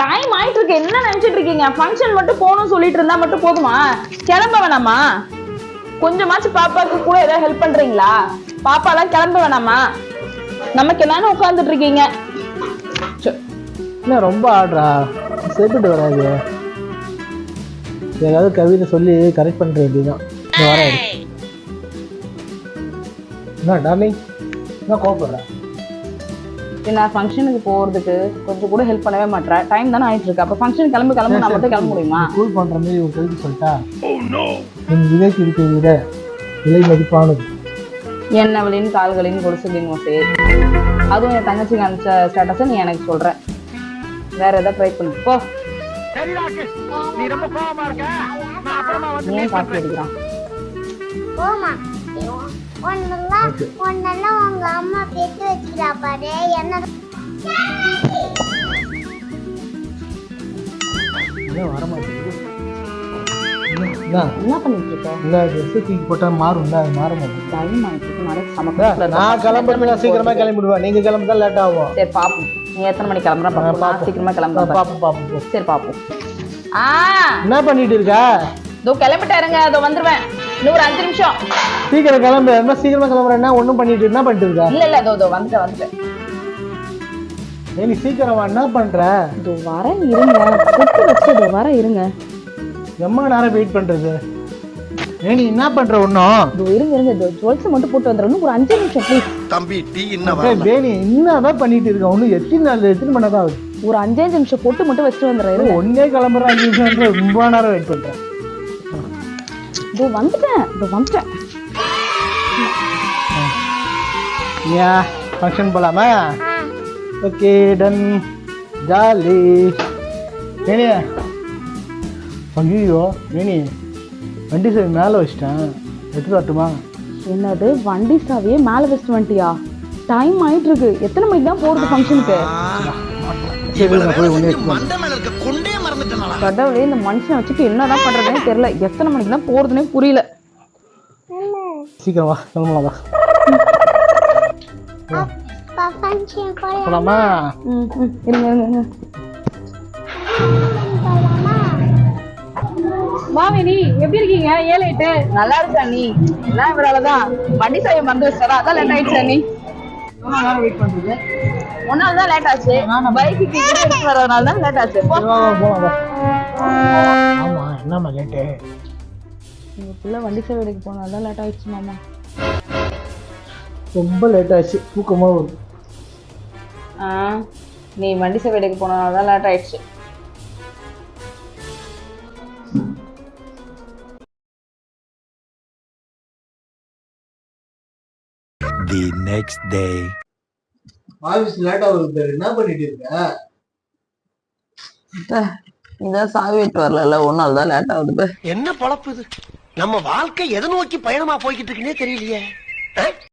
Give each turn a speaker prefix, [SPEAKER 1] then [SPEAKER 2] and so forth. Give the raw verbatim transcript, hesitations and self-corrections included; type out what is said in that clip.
[SPEAKER 1] Time ஆயிட்டு இருக்கு. என்ன நினைச்சிட்டு இருக்கீங்க? ஃபங்க்ஷன் மட்டும் போகணும் சொல்லிட்டு இருந்தா மட்டும் போதுமா? கிளம்ப வேணாமா? கொஞ்சமாச்சு பாப்பாக்கு கூட ஏதாவது ஹெல்ப் பண்றீங்களா? பாப்பா எல்லாம் கிளம்ப வேணாமா? நமக்கு என்னன்னு உட்கார்ந்துட்டு இருக்கீங்க?
[SPEAKER 2] என்ன ரொம்ப ஆடுறா, சரிப்பட்டு வராது. ஏதாவது கவிதை சொல்லி கரெக்ட் பண்ற வேண்டியதுதான். வராது. என்ன டார்லிங், என்ன கோபப்படுறேன்?
[SPEAKER 1] நான் ஃபங்க்ஷனுக்கு போறதுக்கு கொஞ்சம் கூட ஹெல்ப் பண்ணவே மாட்டேன். டைம் தானே ஆயிட்டு இருக்கு. அப்ப ஃபங்க்ஷன் கிளம்பி கிளம்பி நான் மட்டும் கிளம்ப முடியுமா?
[SPEAKER 2] கூல் பண்ற மாதிரி ஒரு கவிதை சொல்லிட்டா என் விதைக்கு இருக்கிற விட விலை மதிப்பானது.
[SPEAKER 1] என்னவளின் கால்களின் கொலுசுகளின் ஓசை. அதுவும் என் தங்கச்சிக்கு அனுப்பிச்ச ஸ்டேட்டஸை நீ எனக்கு சொல்ற. வேற ஏதாவது ட்ரை பண்ணு போ. ஏன் காப்பி அடிக்கிறான்?
[SPEAKER 3] உங்க அம்மா பெற்று வச்சுக்கிறா பாரு. என்ன
[SPEAKER 2] வர மாட்டேங்குது.
[SPEAKER 1] என்ன பண்ணிட்டு இருக்க?
[SPEAKER 2] இல்ல ட்ரெஸ் தூக்கி போட்டா மாறும். அது மாற மாட்டேங்குது.
[SPEAKER 1] டைம் ஆயிட்டு நிறைய சமக்க.
[SPEAKER 2] நான் கிளம்புறேன், சீக்கிரமா கிளம்பிடுவேன். நீங்க கிளம்புதான் லேட் ஆகும்.
[SPEAKER 1] சரி பாப்போம். நீ எத்தனை மணிக்கு கிளம்புற பாப்போம். சீக்கிரமா கிளம்புற
[SPEAKER 2] பாப்போம் பாப்போம்.
[SPEAKER 1] சரி பாப்போம். ஆ
[SPEAKER 2] என்ன பண்ணிட்டு இருக்க?
[SPEAKER 1] இதோ கிளம்பிட்டாருங்க. அதோ வந்துருவேன். இன்னும் ஒரு அஞ்சு நிமிஷம்.
[SPEAKER 2] சீக்கிரம் கிளம்பு. என்ன சீக்கிரமா கிளம்புறேன்னா ஒண்ணும் பண்ணிட்டு என்ன பண்ணிட்டு இருக்க?
[SPEAKER 1] இல்ல இல்ல இதோ இதோ வந்துட்டேன் வந்துட்டேன்.
[SPEAKER 2] ஏய் நீ சீக்கிரமா என்ன பண்ற?
[SPEAKER 1] இதோ வர இருங்க. குட்டு வச்சதோ வர இருங்க.
[SPEAKER 2] எம்மா நேரம் வெயிட் பண்றது. ஏய் நீ என்ன பண்ற? ஒண்ணும்
[SPEAKER 1] இதோ இருங்க இருங்க. இதோ ஜுவல்ஸ் மட்டும் போட்டு வந்துறேன். ஒரு அஞ்சு நிமிஷம் ப்ளீஸ்.
[SPEAKER 4] தம்பி டீ என்ன வர?
[SPEAKER 2] ஏய் பேனி என்னதான் பண்ணிட்டு இருக்க? ஒண்ணு எத்தனை நாள் எத்தனை மணி நேரம் ஆகுது?
[SPEAKER 1] ஒரு அஞ்சு நிமிஷம் போட்டு மட்டும் வச்சுட்டு வந்துடுறேன்.
[SPEAKER 2] ஒன்னே கிளம்புற அஞ்சு நிமிஷம் ரொம்ப நேரம் வெயிட் பண்றேன்.
[SPEAKER 1] இதோ வந்துட்டேன். இதோ வந்துட்டேன்.
[SPEAKER 2] யா ஃபங்க்ஷன் போலாமா? Okay done. ஜாலி. ஏனி ஐயோ ஏனி வண்டி சாவி மேலே வச்சிட்டேன். எடுத்து வரட்டுமா?
[SPEAKER 1] என்னது வண்டி சாவியே மேலே வச்சுட்டு வந்துட்டியா? டைம் ஆயிட்டு இருக்கு. எத்தனை மணிக்கு தான் போறது ஃபங்க்ஷனுக்கு? கடவுளே, இந்த மனுஷன் வச்சுட்டு என்னதான் பண்றதுன்னு தெரியல. எத்தனை மணிக்கு தான் போறதுன்னே புரியல.
[SPEAKER 2] சீக்கிரம் வா, கிளம்பலாம் வா. போலாமா?
[SPEAKER 1] இருங்க இருங்க. மாமினி எப்படி இருக்கீங்க? ஏழு எட்டு நல்லா இருக்கா நீ? எல்லாம் இவராலதான் வண்டி சாவி மறந்து வச்சாரா? அதான் லேட் ஆயிடுச்சா நீ?
[SPEAKER 2] வெயிட் பண்றது
[SPEAKER 1] ஒன்னால தான் லேட் ஆச்சு. பைக்கு எடுத்து வரதுனால தான் லேட் ஆச்சு.
[SPEAKER 2] ஆமா என்னம்மா லேட்டு?
[SPEAKER 1] உங்க பிள்ளை வண்டி சாவி எடுக்க போனால்தான் லேட் ஆயிடுச்சு மாமா.
[SPEAKER 2] ரொம்ப லேட் ஆச்சு. தூக்கமா வருது.
[SPEAKER 1] ஆ நீ வண்டி சாவி எடுக்க போனால்தான் தான் லேட் ஆயிடுச்சு.
[SPEAKER 4] The next day.
[SPEAKER 2] Office late ஆகுது. என்ன பண்ணிட்டு இருக்க?
[SPEAKER 1] இதான் சாவி விட்டு வரல. ஒரு நாள் தான் லேட் ஆகுது.
[SPEAKER 4] என்ன பொழப்பு இது? நம்ம வாழ்க்கை எதை நோக்கி பயணமா போய்கிட்டு இருக்குன்னே தெரியலையே.